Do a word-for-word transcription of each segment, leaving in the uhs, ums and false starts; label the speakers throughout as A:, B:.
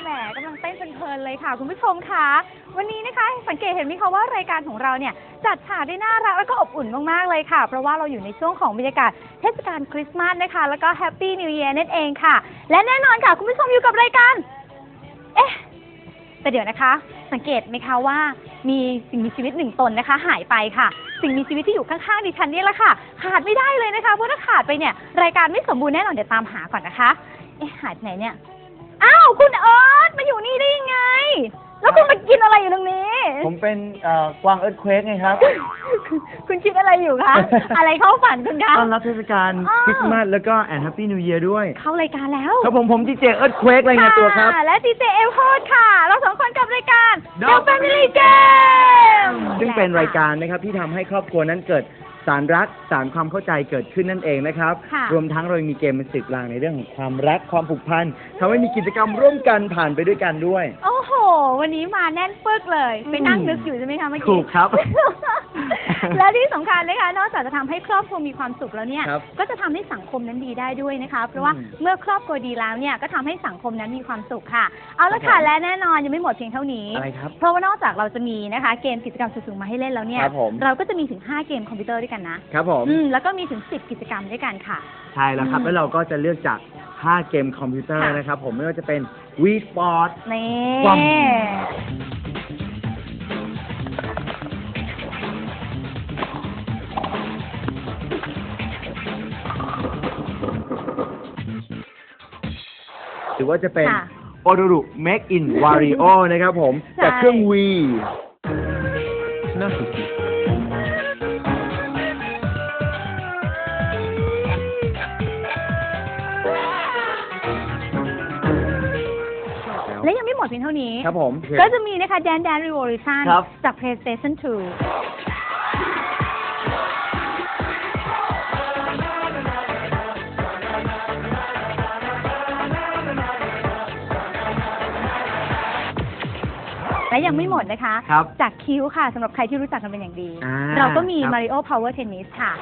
A: แหมกำลังเต้นเพลินๆเลยค่ะคุณผู้ชมคะวันนี้นะคะสังเกตเห็นไหมคะว่ารายการของเราเนี่ยจัดฉากได้น่ารักแล้วก็อบอุ่นมากๆเลยค่ะเพราะว่าเราอยู่ในช่วงของบรรยากาศเทศกาลคริสต์มาสนะคะแล้วก็แฮปปี้นิวเยียร์นั่นเองค่ะและแน่นอนค่ะคุณผู้ชมอยู่กับรายการเอ๊ะแต่เดี๋ยวนะคะสังเกตไหมคะว่ามีสิ่งมีชีวิตหนึ่งตนนะคะหายไปค่ะสิ่งมีชีวิตที่อยู่ข้างๆดิฉันนี่แหละค่ะขาดไม่ได้เลยนะคะเพราะถ้าขาดไปเนี่ยรายการไม่สมบูรณ์แน่นอนเดี๋ยวตามหาก่อนนะคะเอ๊ะหายไปไหนเนี่ยอ้าวคุณเอิร์ธมาอยู่นี่ได้ยังไงแล้วคุณมากินอะไรอยู่ตรงนี้
B: ผมเป็นกวางเอิร์ธเควกไงครับ
A: คุณคิดอะไรอยู่คะ อะไรเข้าฝันคุณคะ
B: ต้อนรับเทศกาลคริสต์มาสแล้วก็แอนด์แฮปปี้นิวเยียร์ด้วย
A: เข้ารายการแล้ว
B: ครับผมผมดีเจเอิร์ธเควกรายงานตัวครับ
A: และดีเจเอลโฮดค่ะเราสองคนกับรายการ The Family Game
B: ซึ่งเป็นรายการนะครับที่ทำให้ครอบครัวนั้นเกิดสารรักสารความเข้าใจเกิดขึ้นนั่นเองนะครับรวมทั้งเรามีเกมเป็นสื่อกลางในเรื่องของความรักความผูกพันทำให้มีกิจกรรมร่วมกันผ่านไปด้วยกันด้วย
A: โอ้โหวันนี้มาแน่นปึกเลยไปนั่งนึกอยู่ใช่ไหมคะเมื่อกี้
B: ถูกครับ
A: และที่สำคัญนะคะนอกจากจะทำให้ครอบครัวมีความสุขแล้วเนี่ยก็จะทำให้สังคมนั้นดีได้ด้วยนะคะเพราะว่าเมื่อครอบครัวดีแล้วเนี่ยก็ทำให้สังคมนั้นมีความสุขค่ะเอาละค่ะและแน่นอนยังไม่หมดเพียงเท่านี้เพราะว่านอกจากเราจะมีนะคะเกมกิจกรรมสนุกๆมาให้เล่นแล้วเนี่ยเราก็จะมีถึงห้าเกมคอมพิวเตอร์ด้วยกันนะครับ
B: ผม
A: แล้วก็มีถึงสิบกิจกรรมด้วยกันค่ะ
B: ใช่แล้วครับแล้วเราก็จะเลือกจากห้าเกมคอมพิวเตอร์นะครับผมไม่ว่าจะเป็น Wii Sport หรือว่าจะเป็นโอโดรุ Make in Wario นะครับผมจากเครื่อง Wii น่าสุด
A: และยังไม่หมดเพียงเท่านี้
B: ครับผม
A: ก็จะมีนะคะ Dance Dance Revolution จาก PlayStation ทูและยังไม่หมดนะคะจากคิวค่ะสำหรับใครที่รู้จักกันเป็นอย่างดีเราก็มี Mario Power Tennis ค่ะ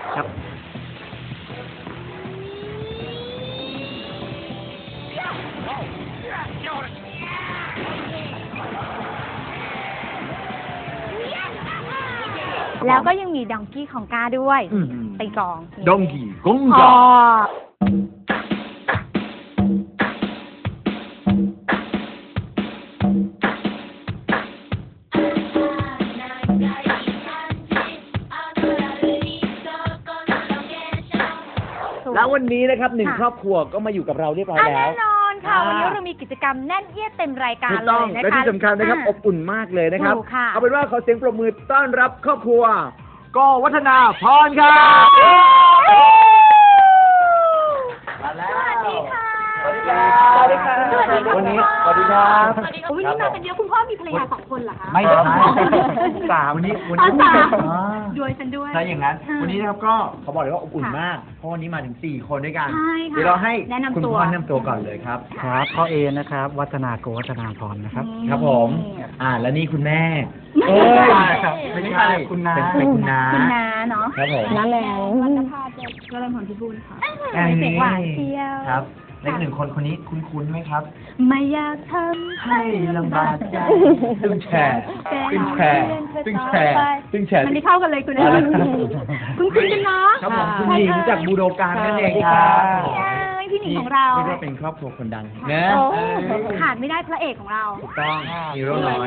A: แล้วก็ยังมีดองกี้ของกาด้วยตีกลอง
B: ดองกี้กงกาแล้ววันนี้นะครับหนึ่งครอบครัวก็มาอยู่กับเราเรียบร้อยแล้ว
A: แน่นอนค่ะวันนี้เรามีกิจกรรมแน่นเอียดเต็มรายการเลยนะคะ
B: และที่สำคัญนะครับอบอุ่นมากเลยนะครับเอาเป็นว่าขอเสียงปรบมือต้อนรับครอบครัวก็วัฒนาพรครับมาแล้วสวัสดีค่ะสวัสดีครับสวัสดีครับวันนี้สวัสดีครับ
A: วันนี้มากันเยอะคุณพ่อมีภรรยาสองคนเหรอคะ
B: ไม่ใช่สามวันนี้วันนี้
A: ด้วยฉันด้วย
B: ใช่อย่างนั้นวันนี้นะครับก็เขาบอกเลยว่าอบอุ่นมากเพราะวันนี้มาถึงสี่คนด้วยกันเดี๋ยวเราให้คุณพ่อแนะนำตัวก่อนเลยครับ
C: ครับพ่อเอนะครับวัฒนาโกวัฒนาพรนะครับ
B: ครับผมอ่าแล้วนี่คุณแม่เอ้ยไม่ใช่คุณน้าเป็นคุณน้า
A: คุณน้าเนาะ
B: ครับผม
A: น้าแหลมวัฒนภาก็เริ่มผลพิบูลค่ะเด็กหวานเที่ยว
B: ครับและหนึ่งคนคนนี้คุ้นๆไหมครับ
A: ไม่อยากทำ
B: ให้ลำบากใจตึงแฉตึงแฉตึงแฉตึงแฉ
A: มันไม่เข้ากันเลยคุณเอ๋คุณคุณกันเนาะ
B: ครับผมคุณหญิงจากบูโดการนั่นเองครับ
A: พี่หนิงของเรา
B: เรียกว่าเป็นครอบครัวคนดังนะ
A: ขาดไม่ได้พระเอกของเรา
B: ถูกต้องฮีโร่น้อย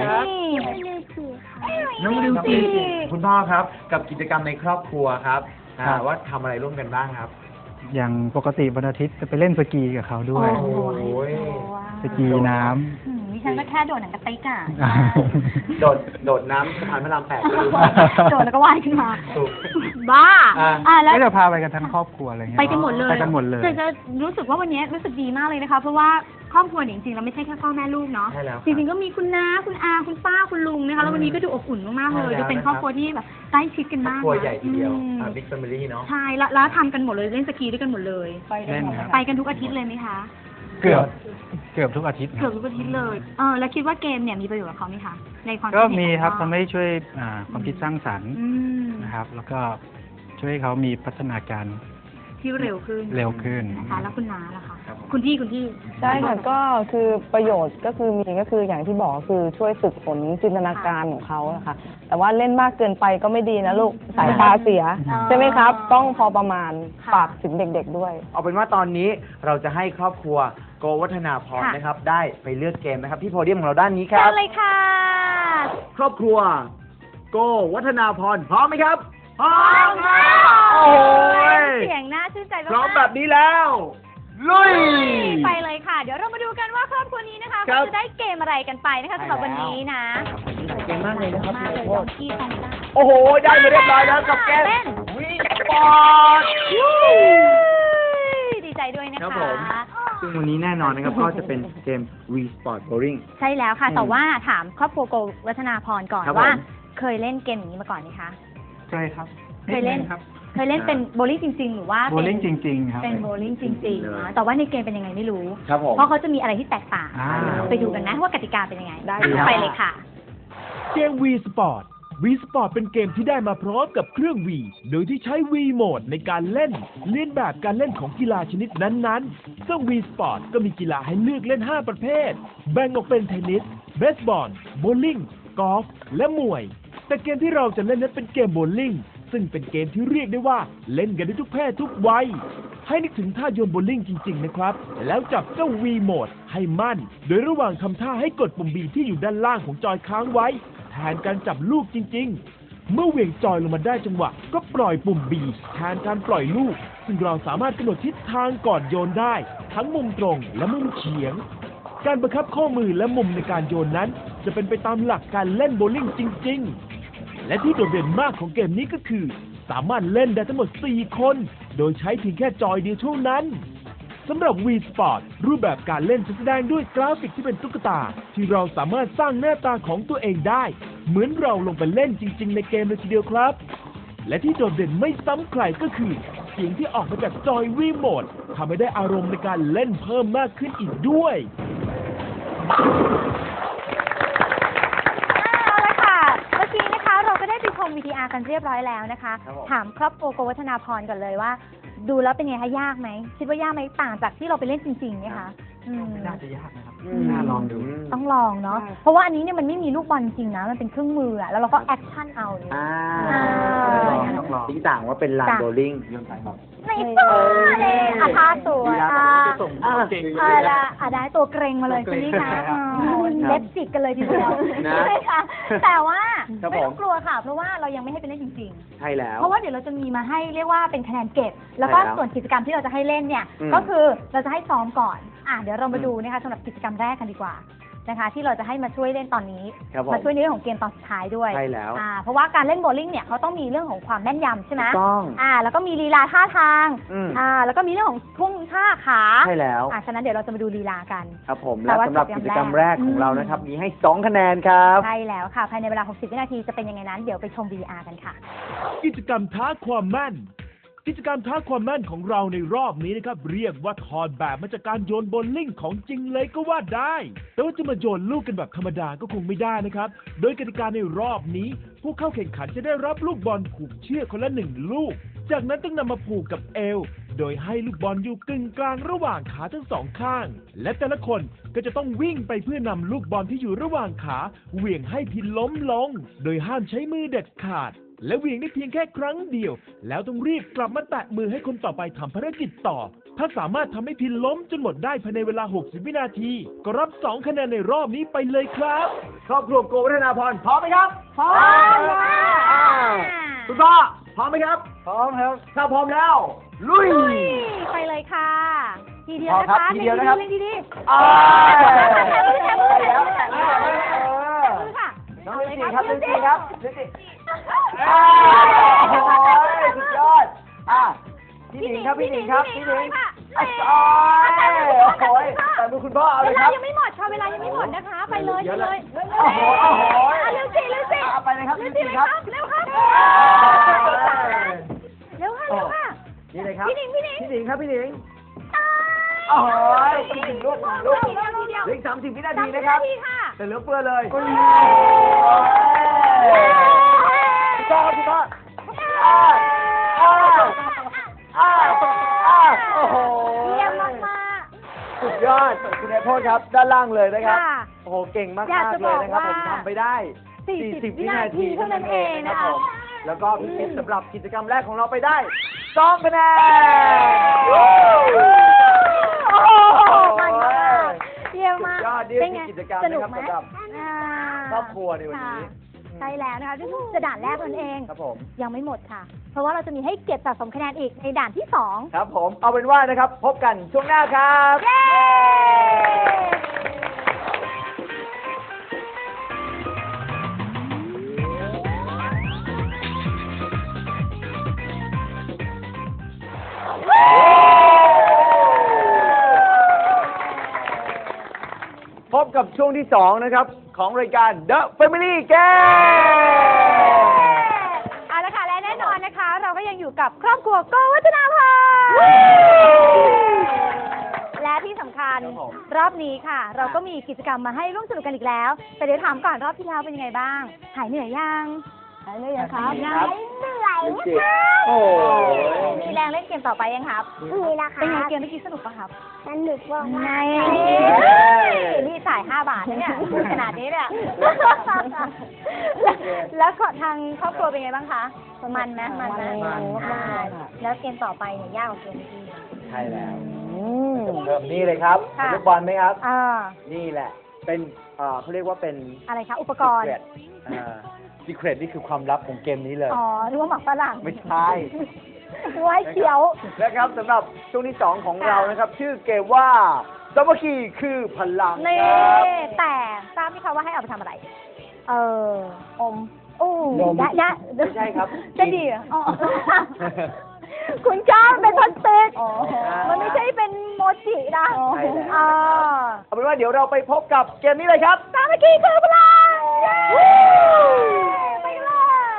B: น้องดิวซี่คุณพ่อครับกับกิจกรรมในครอบครัวครับว่าทำอะไรร่วมกันบ้างครับ
C: อย่างปกติวันอาทิตย์จะไปเล่นสกีกับเขาด้วยสกีน้
A: ำดิฉันก็แค่โดดหนังกระติกอ่ะ
B: โดดโดดน้ำสะพานพระรามแปด
A: โดดแล้วก็ว่ายขึ้นมาบ้า
C: อ่าแล้วเราพาไปกันทั้งครอบครัวอะไรเงี้ย
A: ไปกันหมดเลย
C: ไปกันหมดเลย
A: จะรู้สึกว่าวันนี้รู้สึกดีมากเลยนะคะเพราะว่าครอบครัวจริงๆเราไม่ใช่แค่พ่อแม่ลูกเนาะจริงๆก็มีคุณน้าคุณอาคุณป้าคุณลุงนะคะแล้ววันนี้ก็ดูอบอุ่นมากๆเลยจะเป็นครอบครัวที่แบบใกล้ชิดกันมาก
B: ครอบครัวใหญ่ทีเดียวบิ๊กแฟมิลี่เนาะ
A: ใช่แล้วทำกันหมดเลยเล่นสกีด้วยกันหมดเลยไปกันทุกอาทิตย์เลยไหมคะ
C: เกือบเกือบทุกอาทิตย์
A: เกือบทุกอาทิตย์เลยเออแล้วคิดว่าเกมเนี่ยมีประโยชน์กับเขาไหมคะในความ
C: ก็มีครับทำให้ช่วยความคิดสร้างสรรค์นะครับแล้วก็ช่วยเขามีพัฒนาการ
A: ที่เร็วขึ้น
C: เร็วขึ้น
A: นะคะแล้วคุณน้าล่ะคะคุณพี่คุณพี่
D: ใช่ค่ะก็คือประโยชน์ก็คือมีก็คืออย่างที่บอกคือช่วยฝึกฝนจินตนาการของเขาอะค่ะแต่ว่าเล่นมากเกินไปก็ไม่ดีนะลูกสายตาเสีย
A: อ๋อ
D: ใช่ไหมครับ ต้องพอประมาณ
A: ค่ะ
D: ฝากถึงเด็กๆด้วย
B: เอาเป็นว่าตอนนี้เราจะให้ครอบครัวโกวัฒนาพร
A: ค่ะ
B: นะครับ ได้ไปเลือกเกมนะครับที่โพเดียมของเราด้านนี้ค
A: เชิ
B: รับ
A: ญเลยค่ะ
B: ครอบครัวโกวัฒนาพรพร้อมไหมครับพร้อม
A: ค่ะ
B: โอ้ย
A: เสียงน่าชื่นใจมาก
B: พร้อมแบบนี้แล้วลุย
A: ไปเลยค่ะ เดี๋ยวเรามาดูกันว่าครอบครัวนี้นะคะ
B: ครั
A: เขา
B: บ
A: จะได้เกมอะไรกันไปนะคะสำหรับวันนี้นะ
B: เก่งมากเลยนะครับ
A: มากเลย
B: โท
A: ดอ
B: ษ
A: งกี้ฟองซ่า
B: โอ้โห ได้มาเรียบร้อยแล้วกับเกม
A: เต้น
B: วิ่งบอล
A: ดีใจด้วยนะ
B: ครั
A: คะ
B: บผม ซึ่งวันนี้แน่นอนนะครับ ก็จะเป็นเกม V Sport Bowling
A: ใช่แล้วค่ะ
B: อืม
A: แต่ว่าถามครอบครัวโกวัฒนาพรก่อน
B: ครับ
A: ว่า
B: ผม
A: เคยเล่นเกมอย่างนี้มาก่อนไหมคะ
C: เคยครับ
A: เคยเล่น
C: ครับ
A: เคยเล่นเป็นโบลิ่งจริง ๆ หรือว่า
C: โบ
A: เป็น
C: ลิ่งจริง ๆ ครับ
A: เป็นโบลิ่งจริง
B: เลย
A: ๆนะแต่ว่าในเกมเป็นยังไงไม่รู้
B: ครับผม
A: เพราะเขาจะมีอะไรที่แตกต่าง
C: อ่า
A: ไปดูกันนะว่ากติกาเป็นยังไง
D: ได้
A: ไปเลยค่ะ
E: เกม V Sport V Sport เป็นเกมที่ได้มาพร้อมกับเครื่อง V โดยที่ใช้ V Mode ในการเล่น เลียนแบบการเล่นของกีฬาชนิดนั้นๆ ซึ่ง V Sport ก็มีกีฬาให้เลือกเล่น ห้า ประเภท แบ่งออกเป็นเทนนิส เบสบอล โบว์ลิ่ง กอล์ฟ และมวย แต่เกมที่เราจะเล่นนั้นเป็นเกมโบว์ลิ่ง ซึ่งเป็นเกมที่เรียกได้ว่าเล่นกันได้ทุกเพศทุกวัย ให้นึกถึงท่าโยนโบว์ลิ่งจริง ๆ นะครับ แล้วจับเจ้า V Mode ให้มั่น โดยระหว่างทำท่าให้กดปุ่ม B ที่อยู่ด้านล่างของจอยค้างไว้ แทนการจับลูกจริง ๆ เมื่อเหวี่ยงจอยลงมาได้จังหวะ ก็ปล่อยปุ่ม B แทนการปล่อยลูก ซึ่งเราสามารถกำหนดทิศทางก่อนโยนได้ ทั้งมุมตรงและมุมเฉียง การบังคับข้อมือและมุมในการโยนนั้น จะเป็นไปตามหลักการเล่นโบว์ลิ่งจริง ๆ และที่โดดเด่นมากของเกมนี้ก็คือ สามารถเล่นได้ทั้งหมด สี่ คน โดยใช้เพียงแค่จอยเดียวเท่านั้นสำหรับ V Sport รูปแบบการเล่นจะแสดงด้วยกราฟิกที่เป็นตุ๊กตา ที่เราสามารถสร้างหน้าตาของตัวเองได้ เหมือนเราลงไปเล่นจริง ๆ ในเกมเลยทีเดียวครับ และที่โดดเด่นไม่ซ้ำใครก็คือ เสียงที่ออกมาจากจอย V Mode ทำให้ได้อารมณ์ในการเล่นเพิ่มมากขึ้นอีกด้วย
A: เอาละค่ะ เมื่อกี้นะคะเราก็ได้ไปชม วี ที อาร์ กันเรียบร้อยแล้วนะคะ
B: ครับผม
A: ถามครอบครัวโกวัฒนาพรก่อนเลยว่า ดูแล้วเป็นไงคะยากไหม คิดว่ายากไหมต่างจากที่เราไปเล่นจริงๆไหมคะอืม
C: น่าจะยากนะครับ
B: อืม
C: น่าลองดู
A: ต้องลองเนาะ เพราะว่าอันนี้เนี่ยมันไม่มีลูกบอลจริงนะ มันเป็นเครื่องมืออะแล้วเราก็แอคชั่นเอาเนี่ย
B: อ่า
A: อ่า
C: ต้องลอง
B: ทิ้งต่างว่าเป็นลาน
A: จ้ะ
B: โบว์ลิ่ง
A: ไม่ฟ้าเลยอาทาสวยอ่ะ
B: อ่า
A: อ่าละอ่ะได้ตัวเกรงมาเลยใช่ไหมคะอ๋อเล็บจิกกันเลยทีเดียว
B: นะ
A: ใช่ไหมคะแต่ว่า
B: ครับ
A: ไม่
B: ผม
A: ต้องกลัวค่ะ เพราะว่าเรายังไม่ให้ไปเล่นจริง
B: ใช่แล้ว
A: ๆ เพราะว่าเดี๋ยวเราจะมีมาให้เรียกว่าเป็นคะแนนเก็บ แล้วก็
B: ใช่แล้ว
A: ส่วนกิจกรรมที่เราจะให้เล่นเนี่ย
B: อืม
A: ก็คือเราจะให้ซ้อมก่อน อ่ะเดี๋ยวเรามา
B: อืม
A: ดูนะคะสำหรับกิจกรรมแรกกันดีกว่านะคะ ที่เราจะให้มาช่วยเล่นตอนนี้
B: ครับผม
A: มาช่วยในเรื่องของเกมตอนสุดท้ายด้วย
B: ใช่แล้ว
A: อ่าเพราะว่าการเล่นโบว์ลิ่งเนี่ยเขาต้องมีเรื่องของความแม่นยำใช่ไหม
B: ถูกต้อง
A: อ่า แล้วก็มีลีลาท่าทาง
B: อืม
A: อ่า แล้วก็มีเรื่องของทุ่งท่าขา
B: ใช่แล้ว
A: อ่าฉะนั้นเดี๋ยวเราจะมาดูลีลากัน
B: ครับผม
A: แต่
B: และ
A: ว่า
B: สำหรับ
A: กิ
B: กิ
A: จ
B: จ
A: ก
B: ก
A: ร
B: ร
A: ร
B: ร
A: ม
B: ม
A: แร
B: แร
A: ก
B: กของเรา
A: อืม
B: นะครับ มีให้สองคะแนนครับ
A: ใช่แล้วค่ะ ภายในเวลา หกสิบ วินาทีจะเป็นยังไงนั้น เดี๋ยวไปชม วี อาร์ กันค่ะ
E: กิจกรรมท้าความแม่น กิจกรรมท้าความแม่นของเราในรอบนี้นะครับ เรียกว่าถอดแบบมาจากการโยนโบว์ลิ่งของจริงเลยก็ว่าได้ แต่ว่าจะมาโยนลูกกันแบบธรรมดาก็คงไม่ได้นะครับ โดยกติกาในรอบนี้ ผู้เข้าแข่งขันจะได้รับลูกบอลผูกเชือกคนละหนึ่งลูก จากนั้นต้องนำมาผูกกับเอว โดยให้ลูกบอลอยู่กึ่งกลางระหว่างขาทั้งสองข้าง และแต่ละคนก็จะต้องวิ่งไปเพื่อนำลูกบอลที่อยู่ระหว่างขาเหวี่ยงให้พินล้มลง โดยห้ามใช้มือเด็ดขาด และเหวี่ยงได้เพียงแค่ครั้งเดียว แล้วต้องรีบกลับมาแตะมือให้คนต่อไปทำภารกิจต่อ ถ้าสามารถทำให้พินล้มจนหมดได้ภายในเวลา หกสิบ วินาที ก็รับสองคะแนนในรอบนี้ไปเลยครับ
B: ครอบครัวโกวัฒนาพรพร้อมไหมครับ
A: พร้อมค่ะ
B: อ่าคุณพ่อพร้อมไหมครับ
C: พร้อมครับ
B: ถ้าพร้อมแล้ว ลุย
A: ลุยไปเลยค่ะ ทีเดียว
B: พอ
A: นะ
B: ครั
A: คะ
B: บทีเดียวนะครับ
A: เล่นดีๆ
B: อ่า
A: แถมมือแถมมือแถมมือแถมมือ
B: เออ
A: มือค่ะ
B: น้อง
A: เอา
B: ลิ
A: เลย
B: นจีครับลินจีครับลินจี
A: อ่า
B: โอ้โหสุดยอดอ่ะพี่หนิงครับพี่หนิงครับพี่หนิง
A: ค่ะ
B: โอ้ยโอ้ยแต่มือคุณพ่อเอาเล
A: เวย
B: ค
A: ลา
B: รับ
A: ยังไม่หมดค่ะเวลายังไม่หมดนะคะ ไปเลย
B: เดี๋
A: ไป
B: ยว
A: เล
B: เลย
A: ย
B: โอ้โหโอ้โห
A: อ่ะเร็วสิเร็วสิ
B: เอาไปเลยครับ
A: เร็
B: ลิ
A: วน สิ
B: จี
A: เลย
B: ค
A: ค
B: รั
A: รับ บเร็วครับเร็วค่ะเร็วค่ะ
B: นี่เลยครับ
A: พี่หนิงพี่หนิง
B: พี่หนิงครับพี่หนิง
A: ตาย
B: โอ้โหอีกหนึ่งลูกหนึ่งลูก
A: ทีเดียวทีเดียว
B: เหลืออีกสามสิบวินาทีนะครับ
A: สามสิบวินาทีค่ะ
B: แต่เหลือเฟือเลย
C: โอ้ย
B: พี่ต้อพี่ต้ออ้าวอ้าวอ้าวอ้าวโอ้โห
A: เยี่ยมมาก
B: ยอดคุณนายโพธิ์ครับด้านล่างเลยนะครับ
A: ค่ะ
B: โอ้โหเก่งมาก
A: อยาก
B: ๆ
A: จะ
B: เลยนะครับ
A: บอก
B: ผ
A: ว่า
B: มทำไปได้
A: สี่สิบ
B: วินาที
A: เท่านั้นเองนะคะ
B: ผมแล้วก็พี่เพชรสำหรับกิจกรรมแรกของเราไปได้สองคะแนน
A: โอ้โหมันมากเยี่ยมมาก
B: สุดยอดนี่
A: เป็นไง
B: คือกิจกรรม
A: สนุก
B: นะครับ
A: ไหม
B: สำหรับ
A: อ่า
B: ครอบครัวในวันนี้
A: ค่ะใช่แล้วนะคะที่จะด่านแรกนั่นเอง
B: ครับผม
A: ยังไม่หมดค่ะ เพราะว่าเราจะมีให้เก็บสะสมคะแนนอีกในด่านที่สอง
B: ครับผมเอาเป็นว่านะครับ พบกันช่วงหน้าครับ
A: เย้
B: พบกับช่วงที่สองนะครับของรายการ The Family Game
A: เอาละค่ะและแน่นอนนะคะ เราก็ยังอยู่กับครอบครัวโกวัฒนาพรและที่สำคัญ
B: ครับผม
A: รอบนี้ค่ะ เราก็มีกิจกรรมมาให้ร่วมสนุกกันอีกแล้ว แต่เดี๋ยวถามก่อนรอบที่แล้วเป็นยังไงบ้าง หายเหนื่อยยัง
D: หายเลยอะครับ
A: หายเหนื่อย
B: จริงๆโอ้ย
A: มีแรงเล่นเกมต่อไปยังครับ
F: มีนะคะ
A: เป็นไงเกมเมื่อกี้สนุกปะครับ
F: สนุกมาก
A: ไง
F: ๆ
A: นี่จ่ายห้าบาทนะเนี่ยพูดขนาดนี้เนี่ย แล้วก็ทางครอบครัวเป็นไงบ้างคะ มันไหมมันไหม
D: มันมากๆ
A: อ่า
D: ค่ะ
A: แล้วเกมต่อไปเนี่ยยากกว่าเกมเมื่อกี้
B: ใช่แล้ว
D: อืม
B: เริ่มนี่เลยครับ
A: ค่ะ
B: ลูกบอลไหมครับ
A: อ่า
B: นี่แหละ เป็นเอ่อเขาเรียกว่าเป็น
A: อะไรคะ อุปกรณ์
B: secret อ่า secret นี่คือความลับของเกมนี้เลย
A: อ๋อหรือว่าหมักฝรั่ง
B: ไม่ใช่
A: ไว้เขียว
B: นะครับสำหรับช่วงที่สองของเรานะครับ ชื่อเกมว่าสามัคคีคือพลัง
A: นี่
B: ครับ
A: แต่ทราบไหมคะว่าให้เอาไปทำอะไร เออ
D: อม
A: โอ้
B: นม
A: ยะยะ
B: ไม่ใช่ครับ
A: จะดีเหรออ๋อคุณก้าวเป็นพลาสติก
D: อ๋อ
A: มันไม่ใช่เป็นโมจินะ
B: ใช่แล้ว
A: อ่า
B: เอาเป็นว่าเดี๋ยวเราไปพบกับเกมนี้เลยครับ
A: สามัคคีคือพลังไปเลย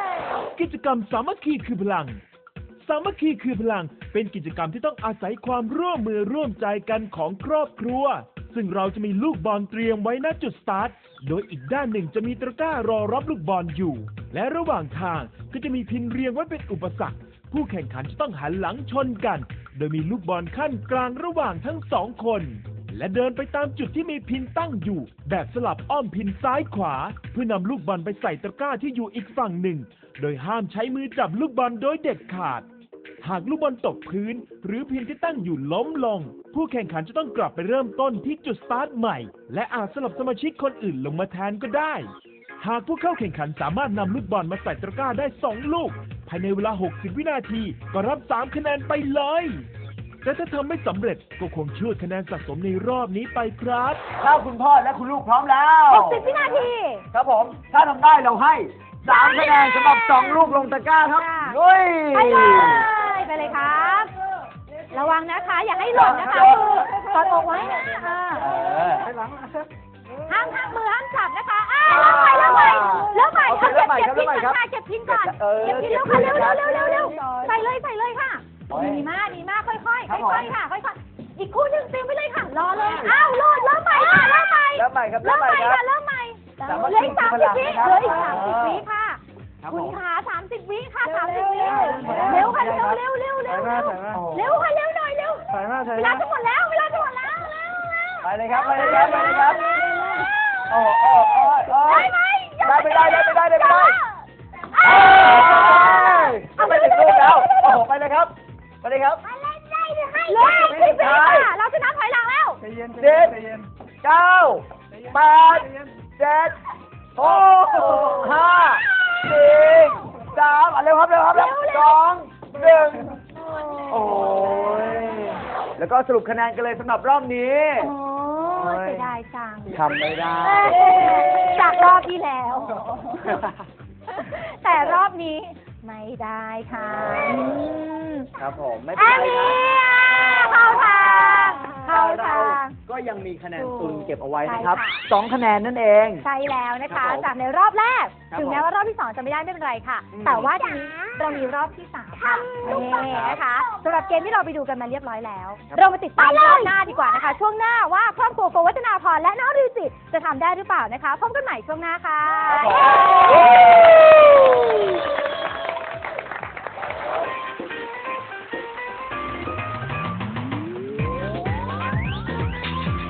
E: กิจกรรมสามัคคีคือพลัง สามัคคีคือพลังเป็นกิจกรรมที่ต้องอาศัยความร่วมมือร่วมใจกันของครอบครัว ซึ่งเราจะมีลูกบอลเตรียมไว้ณจุดสตาร์ท โดยอีกด้านหนึ่งจะมีตะกร้ารอรับลูกบอลอยู่ และระหว่างทางก็จะมีพินเรียงไว้เป็นอุปสรรค ผู้แข่งขันจะต้องหันหลังชนกัน โดยมีลูกบอลขั้นกลางระหว่างทั้งสองคน และเดินไปตามจุดที่มีพินตั้งอยู่ แบบสลับอ้อมพินซ้ายขวา เพื่อนำลูกบอลไปใส่ตะกร้าที่อยู่อีกฝั่งหนึ่ง โดยห้ามใช้มือจับลูกบอลโดยเด็ดขาด หากลูกบอลตกพื้น หรือพินที่ตั้งอยู่ล้มลง ผู้แข่งขันจะต้องกลับไปเริ่มต้นที่จุดสตาร์ทใหม่ และอาจสลับสมาชิกคนอื่นลงมาแทนก็ได้ หากผู้เข้าแข่งขันสามารถนำลูกบอลมาใส่ตะกร้าได้สองลูก ภายในเวลา หกสิบ วินาที ก็รับ สาม คะแนนไปเลย แต่ถ้าทำไม่สำเร็จก็คงช่วยคะแนนสะสมในรอบนี้ไปครับ
B: ถ้าคุณพ่อและคุณลูกพร้อมแล้ว
A: หกสิบวินาที
B: ครับผม ถ้าทำได้เราให้สามคะแนนสำหรับสองลูกลงตะกร้าครับ
A: ค่ะ
B: ลุย
A: ไปเลยไปเลยครับ ระวังนะคะ อย่าให้หล่นนะคะมือกอดอกไว้นะอ่า
B: เออ
A: ห้ามห้ามมือห้ามจับนะคะอ่าเริ่มใหม่เริ่มใหม่
B: โอเค
A: เริ่มใหม่
B: เริ่มใหม่
A: เอา
B: ครับ
A: เก็บพินก่อน
B: เออ
A: ค่ะเก็บพินก่อน
B: เก็
A: เก็
B: บบ พิ
A: พิ
B: น
A: นเร็ว
B: ครั
A: ค่ะ
B: บ
A: เร็วเร็วเร็วเร็วใส่เลยใส่เลยค่ะ
B: โอ้ย
A: ดีมากดีมากค่อยๆค่อย
B: ครับผม
A: ๆค่ะค่อยๆอีกคู่หนึ่งเตรียมไว้เลยค่ะรอเลยอ้าวโหลดเริ่มใหม่ค่ะเริ่มใหม่
B: เริ่มใหม่ครับ
A: เริ่มใหม่
B: ครั
A: ค่ะ
B: บ
A: เริ่มใหม่
B: สามารถ
A: เหลืออีกสามสิบวิ
B: ครับ
A: เหลืออีกสามสิบวิค่ะ
B: ครับ
A: คุ
B: ผ
A: ณ
B: ม
A: ขาสามสิบวิค่ะสามสิบวิเร็วค่ะเร็วเร็วเร็วเร็วเร็วเร็วค่ะเร็วหน่อยเร็ว
C: ใส่มาใส่
A: เว
C: มา
A: ลาจะหมดแล้วเวลาจะหมดแล้วเร็วเร็ว
B: ไปเลยครับไปเลยครับไปเลยครับโอ้โอ้โอ้โอ้
A: ได้ไหม
B: ได้ไม่ได้ได้ไม่ได้ได้ไม่ได้
A: เอ้ย
B: เอาไปถึงลูกแล้วโอ้โหไปเลยครับไปเลยครับ
A: เหลือสิบวิค่ะเราจะนับถอยหลังแล้ว
C: ใจเย็น
B: เจ็ด
C: ใจเย็น
B: เก้าแปดเจ็ดหกห้าสี่สามอ่ะเร็วครับเร็วครับเร็วสองหนึ่งโอ้ยแล้วก็สรุปคะแนนกันเลยสำหรับรอบนี้
A: โอ้ยเสียดายจัง
B: ทำไม่ได้
A: จากรอบที่แล้ว แต่รอบนี้ไม่ได้ค่ะอืม
B: ครับผมไม่เป็น
A: อัน
B: ไร
A: นี้
B: ครับ
A: อ่ะเข้าทางเข้า
B: เรา
A: ทาง
B: ก็ยังมีคะแนนตุนเก็บเอาไว้นะครับ
A: ใช่ค่ะ
B: สองคะแนนนั่นเอง
A: ใช่แล้วนะ
B: ครั
A: คะ
B: บผม
A: จากในรอบแรก
B: ครับ
A: ถึงแม้ว่ารอบที่สองจะไม่ได้ไม่เป็นไรค่ะ
B: อืม
A: แต่ว่าทีนี้เรามีรอบที่สามค่ะนี่นะคะสำหรับเกมที่เราไปดูกันมาเรียบร้อยแล้ว เรามาติดตามรอบหน้าดีกว่านะคะ ช่วงหน้าว่าครอบครัวโกวัฒนาพรและน้องริวจิตจะทำได้หรือเปล่านะคะพบกันใหม่ช่วงหน้าค่ะ
B: ค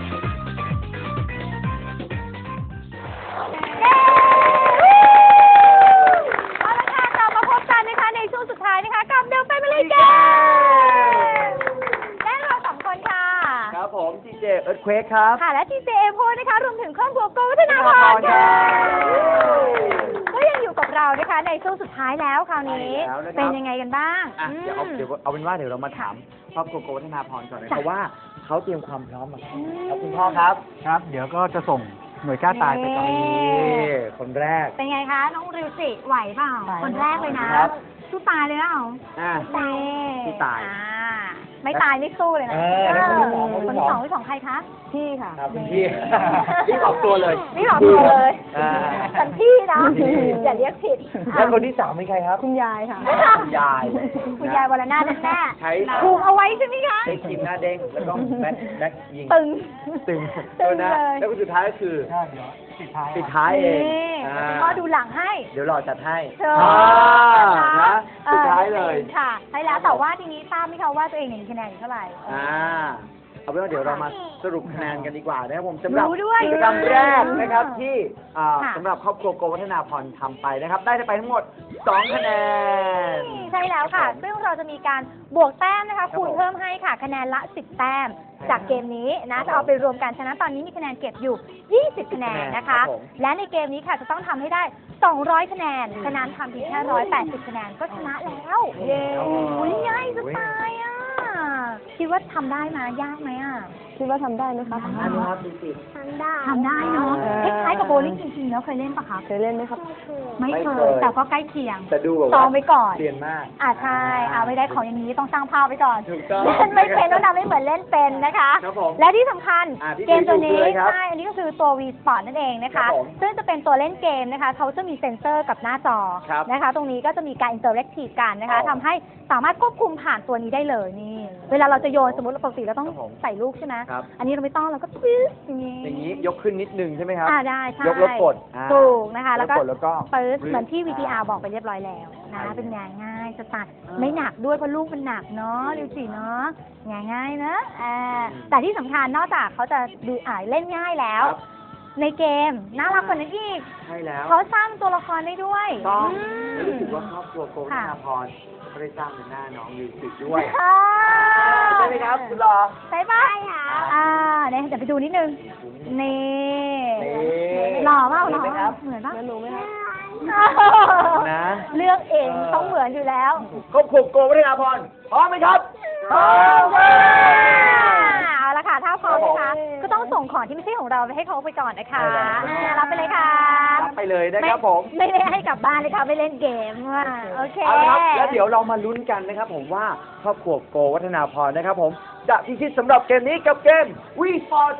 B: เควกครับ
A: ค่ะ และทีเจเอโพนะคะ รวมถึงครอบครัวโกวัฒนาพรค่ะก็ยังอยู่กับเรานะคะในช่วงสุดท้ายแล้วคราวนี้
B: ใช่แล้วนะครับ
A: เป็นยังไงกันบ้าง
B: อ่ะเดี๋ยวเอา
A: อืม
B: เดี๋ยวเอาเป็นว่าเดี๋ยวเรามาถามครอบครัวโกวัฒนาพรก่อนนะ
A: จ้ะ
B: เพราะว่าเขาเตรียมความพร้อมมา
A: อืม
B: แล้วคุณพ่อครับ
C: ครับ เดี๋ยวก็จะส่งหน่วยกล้าตายไปก่อน
A: นี่
B: นี่คนแรก
A: เป็นไงคะ น้องริวจิไหวเปล่า
D: ไหว
A: คนแรกเลยนะครับ สู้ตายเลยเปล่า
B: อ่ะ
A: นี่
B: สู้ตาย
A: อ่ไม่ตายไม่สู้เลยนะ
B: เออแล้วคนที่สอง
A: คนที่สองคนที่สองใครคะ
D: พี่ค่ะ
B: ครับคุณพี่ รีบออกตัวเลย
A: นี่หลอกตัวเลย
B: อ่า
A: ฉันพี่นะ
B: พี่
A: อย่าเรียกผิด
B: แล้วคนที่สามเป็นใครครับ
D: คุณยายค่ะ
B: คุณยาย
A: คุณยายวรนาถแน่
B: ใช้
A: ถูกเอาไว้ใช่ไหมคะ
B: ใช้ครีมหน้าเด้งแล้วก็แบ็คแบ็คยิง
A: ตึง
B: ตึง
A: ตึง
B: ตัวนะ
A: เลย
B: แล้วคนสุดท้ายก็คือ
C: ใช่เดี๋ยวปิดท้าย
B: ปิดท้ายเอง
A: นี่
B: อ่า
A: พ่อดูหลังให้
B: เดี๋ยวรอจัดให้
A: เชิญ
B: อ่า
A: นะคะ
B: นะสุดท้ายเลย
A: ค่ะใช่แล้วแต่ว่าทีนี้ทราบไหมคะว่าตัวเองเนี่ยมีคะแนนอยู่เท่าไหร่
B: อ่าเอาเป็นว่าเดี๋ยวเรามาสรุปคะแนนกันดีกว่านะครับผมสำหรับ
A: รู้ด้วย
B: กิจกรรมแรกนะครับที่อ่า
A: ค่ะ
B: สำหรับครอบครัวโกวัฒนาพรทำไปนะครับ ได้ไปทั้งหมดสองคะแนน
A: ใช่แล้วค่ะ ซึ่งเราจะมีการบวกแต้มนะคะ
B: ครับ
A: คูณ
B: ผม
A: เพิ่มให้ค่ะ คะแนนละสิบแต้ม จากเกมนี้นะ จะเอาไปรวมกัน ฉะนั้นตอนนี้มีคะแนนเก็บอยู่ ยี่สิบ คะแนนนะคะ
B: ครับผม
A: และในเกมนี้ค่ะจะต้องทำให้ได้ สองร้อย คะแนน ฉะนั้นทำเพียงแค่ หนึ่งร้อยแปดสิบ คะแนนก็ชนะแล้ว เย้อุ๊ยง่ายจะตายอ่ะ คิดว่าทำได้ไหมยากไหมอ่ะ
D: คิดว่าทำได้ไหมคะ
B: อันนี้ครับดูสิ
F: ทำได้
A: ทำได้เนาะ
D: เออ
A: คล้ายๆกับโบว์ลิ่งจริงๆแล้วเคยเล่นปะคะ
D: เคยเล่นไหมครับ
A: ไม่
B: ไม่
A: เค
B: เค
A: ย
B: ย
A: แต่ก็ใกล้เคียง
B: แต่ดูแบบ
A: ซ้อ
B: ว่าม
A: ไว้ก่อน
B: เรียนมาก
A: อ่าใช่อ่าไม่ได้ของอย่างนี้ต้องสร้างภาพไว้ก่อน
B: ถูกต้อง
A: เล่นไม่เป็นต้องทำให้เหมือนเล่นเป็นนะคะ
B: ครับผม
A: และที่สำคัญ
B: อ่าที่
A: เกมตัวนี้
B: ดูคืออะไรครับ
A: ใช่ อันนี้ก็คือตัว V Sport นั่นเองนะ
B: ครั
A: คะ
B: บผม
A: ซึ่งจะเป็นตัวเล่นเกมนะคะเขาจะมีเซ็นเซอร์กับหน้าจอ
B: ครับ
A: นะคะ ตรงนี้ก็จะมีการอินเตอร์แอคทีฟกันนะคะ
B: อ๋อ
A: ทำให้สามารถควบคุมผ่านตัวนี้ได้เลยนี่ เวลาเราจะโยนสมมติเราปกติเราต้อง
B: ครับผม
A: ใส่ลูกใช่ไหม
B: ครับ
A: อันนี้เราไม่ต้องเราก็ปึ๊บอย่างนี้
B: อย่างนี้ยกขึ้นนิดนึงใช่ไหมครับ
A: อ่าได้ใช่
B: ยกแล้วกดอ่า
A: ถูกนะคะ แล้วก็
B: ยกดแล้วก็
A: ปึ๊บ
B: ปึ๊บ
A: เหมือนที่ วี ที อาร์
B: อ่า
A: บอกไปเรียบร้อยแล้วนะ
B: ใช่
A: เป็นงานง่ายสไตล์
B: อ่า
A: ไม่หนักด้วยเพราะลูกมันหนักเนาะดูสิเนาะง่ายง่ายๆนะอ่าแต่ที่สำคัญนอกจากเขาจะดูอ่าเล่นง่ายแล้ว
B: ครับ
A: ในเกมน่ารักกว่านั้นอีก
B: ใช่แล้ว
A: เขาสร้างตัวละครได้ด้วย
B: ต้อง
A: อืม
B: รู้สึกว่าครอบครัวโกวัฒนาพรก็ได้สร้างเป็นหน้าน้องมิวสิกด้วย
A: ค่ะ
B: ใช่ไหมครับคุณรอ
A: ใช่ปะอ่าเนี่ยเดี๋ยวไปดูนิดนึงนี่
B: นี่
A: หล่อเปล่าหล่อ
B: เห็นไหมครับ
A: เหมือนปะ
D: ไม่รู้ไหมคะ
B: นะ
A: เลือกเองต้องเหมือนอยู่แล้ว
B: ครอบครัวโกวัฒนาพรพร้อมไหมครับพร้อม
A: เอาละค่ะถ้าพร้อมนะคะก็ต้องส่งของที่ไม่ใช่ของเราไปให้เขาไปก่อนนะคะอ่ารับไปเลยค่ะ
B: รับไปเลยนะครับผม
A: ไม่ไม่ได้ให้กลับบ้านเลยค่ะไม่เล่นเกมว่ะโอเค
B: เอาละครับแล้วเดี๋ยวเรามาลุ้นกันนะครับผมว่าครอบครัวโกวัฒนาพรนะครับผมจะพิชิตสำหรับเกมนี้กับเกม We Sport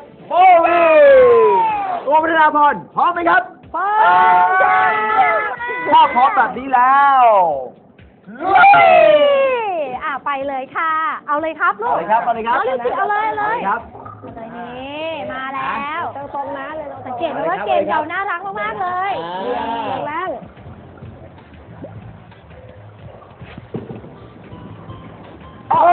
B: Bowling โกวัฒนาพรพร้อมไหมครับพร้อมถ้าพร้อมแบบนี้แล้วลุย
A: อ่าไปเลยค่ะ เอาเลยครับลูก
B: เอาเลยครับเอาเลยครับ
A: เอาเลยสิเอาเลยเอาเลย
B: ครับ
A: เอาเลยนี่มาแล้ว
D: ตรงๆนะเลย
A: สังเกตไหมว่าเกมเราน่ารักมากๆเลย
D: แรง
B: โอ้โห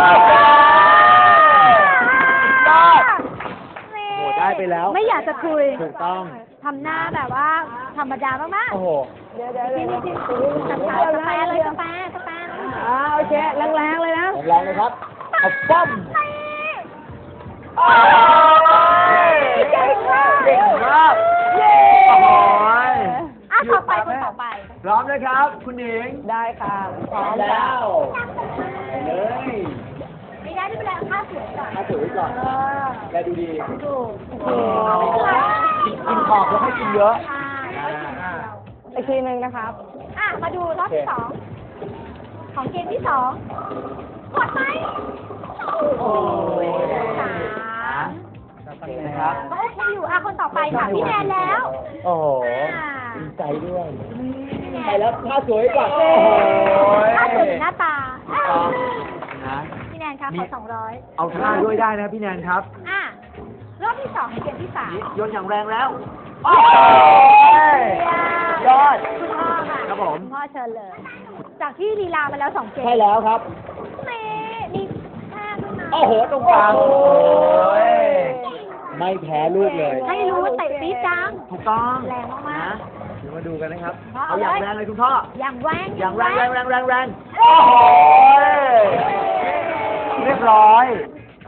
A: นี่
B: โอ้โหได้ไปแล้ว
A: ไม่อยากจะคุย
B: ถูกต้อง
A: ทำหน้าแบบว่าธรรมดามาก
B: โอ้โห
D: เดี๋ยวเดี๋ยวเดี๋ยว
A: ๆกาแฟกาแฟเลยกาแฟกาแฟ
D: อ่าโอเคแรงๆเลยนะ
B: แรงเลยครับเอาป้อม โอ้ย
A: เก่งมาก
B: เก่งมาก
A: เย้
B: โอ้โห
A: อ่ะต่อไปคนต่อไป
B: พร้อมนะครับ คุณหญิง
D: ได้ค่ะพ
B: พ
D: ร้
B: ร้
D: อ
B: อ
D: ม
B: ม
D: แล้
B: แล้ว วไปเลย
A: ไม่ได้ไม่เป็นไรเอาค่าสวยก่อน
B: ถ้าถือไว้ก่อน
A: เออ
B: แลดูดี
A: ถูก
B: โอ้โหกินกินขอบแล้วให้กินเยอะ
A: ใช่
D: อีกทีหนึ่งนะครับ
A: อ่ะมาดูรอบที่สองของเกมที่สองกดไหม
B: โอ้ย
A: สาม
B: นะครับ
A: ก็โอเคอยู่อ่ะคนต่อไปค่ะพี่แนนแล้ว
B: โอ้โห
A: อ่า
B: ดีใจด้วย
A: พี่แน
B: ไป
A: น
B: แล้วถ้าสวยก่อน โอ้โห
A: ถ้าสวยหน้าตา
B: นะ
A: พี่แนนคะขอสองร้อย
B: เอาท่าด้วยได้นะพี่แนนครับ
A: อ่ะรอบที่สองของเกมที่สาม
B: นี่โยนอย่างแรงแล้วโอ้ยยอด
A: คุณพ่อค่ะ
B: ครับผม
A: ณพ่อเชิญเลย จากที่ลีลามาแล้วสองเกม
B: ใช่แล้วครับ
A: นี่มีแค่ด้วยนะ
B: โอ้โห ตรงกลาง โอ้ยไม่แพ้ลูกเลย
A: ให้รู้ว่าเตะปี๊ดจัง
B: ถูกต้อง
A: แรงมากๆ
B: นะเดี๋ยวมาดูกันนะครับ
A: พ่อ
B: เอาอย่าง
A: เอาเลย
B: แรงเลยคุณพ่อ
A: อย่างแรง
B: อย่างแรงแรงแรงแรงแรงโอ้โห เรียบร้อย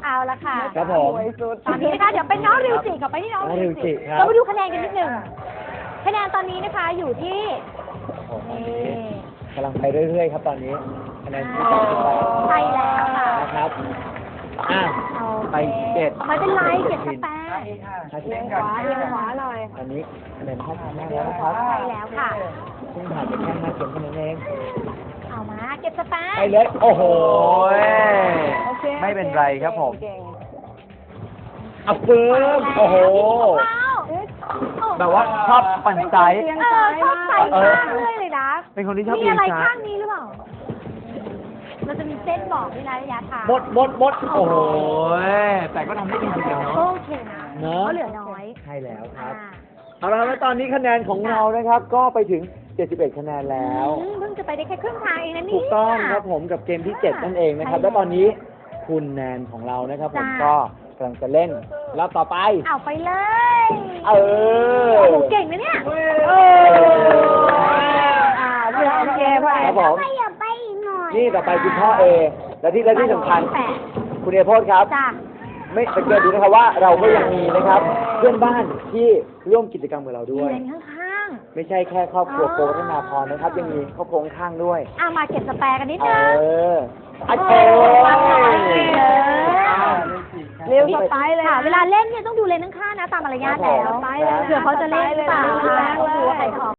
A: เอาละค่ะ
B: ครับผม
D: สวยสุด
A: ตอนนี้นะคะเดี๋ยวเป็นน้องริวจิกลับไปที่น้อง
B: น้องริ
A: ริ
B: ว
A: ว
B: จิ
A: จิ
B: ครับ
A: เราไปดูคะแนนกันนิดหนึ่งคะแนนตอนนี้นะคะอยู่ที่
B: โอ้โห
A: นี่
B: กำลังไปเรื่อยๆครับตอนนี้คะแนนที่ตัดสินไป
A: ใช่แล้วค่ะ
B: นะครับอ่ะ
A: โอเค
B: ไปเจ็ด
A: ไม่เป็นไรเจ็ดสแปด
B: ถ้า
D: เอี
B: เช่
D: ย
B: น
D: งข
B: กัน
D: วาเอียงขวาหน่อย
B: อันนี้คะแนนเท่ากันแล้วนะครับ
A: ใช่แล้วค่ะ
B: ซึ่งผ่านไปแค่ห้าเกมเท่านั้นเอง
A: เอามาเก็บสแปด
B: ไปเลยโอ้โห
D: โอเค
B: ไม่เป็นไรครับผม
D: เก่ง
B: อัพเฟิร์มโอ้โห
A: ว้าว
B: แบบว่าชอบปั่นไซส์
A: เออชอบใส่ข้างเรื่อยเลยนะ
B: เป็นคนที่ชอบ
A: มี
B: เอียง
A: อะไร
B: ซ้า
A: ข้าย งนี้หรือเปล่า เราจะมีเส้นบอกด้วยนะระยะทาง
B: หมดหมดหมดโอ้โห แต่ก็ทำได้ดีจริงๆเนาะ
A: โอเคนะ
B: เนอะ
A: ก็เหลือน้อย
B: ใช่แล้วค
A: อ่า
B: รับ เอาละครับแล้วตอนนี้คะแนนของเรานะครับ ก็ไปถึง เจ็ดสิบเอ็ด คะแนนแล้ว
A: อืมเพิ่งจะไปได้แค่ครึ่งทางเองนะนี่
B: ถูกต้องครับผมกับเกมที่ เจ็ด นั่นเองนะครับ
A: ใช่
B: แล้วตอนนี้คุณแนนของเรานะครับ ผม
A: จ้า
B: ก็กำลังจะเล่นรอบต่อไป
A: เอาไปเลย
B: เออ
A: โอ้โหเก่งนะเนี่ย
B: เออ
D: อ่าเพื่อนโอเคพ่อ
B: ครับผม
F: ไม่อย่าไปอีกหน่อย
B: นี่ต่อไปคุณพ่อเอ และที่และที่สำคัญ
A: แปด
B: คุณเอโพสครับ
A: จ้า
B: ไม่สังเกตดูนะครับว่าเราก็ยังมีนะครับ เพื่อนบ้านที่ร่วมกิจกรรมกับเราด้วย
A: เรียนข้าง
B: ไม่ใช่แค่ครอบครัว
A: อ๋อ
B: โกวัฒนาพรนะครับ ยังมีครอบครัวข้างๆด้วย
A: ๆเอามาเก็บสแปร์กันนิด
B: เอ
A: นึง
B: ออัด
A: เอ
B: โอ้
A: อเออ
B: ย
D: เร็วสไตล์เลย
A: ค่ะ เวลาเล่นเนี่ยต้องดูเลนข้างๆนะตามมารยาทแล้ว
B: ครับผม
A: เผื่อเขาจะเล่นหรือเปล่า
D: สไตล์เลย
A: ดูว่าใครจะออก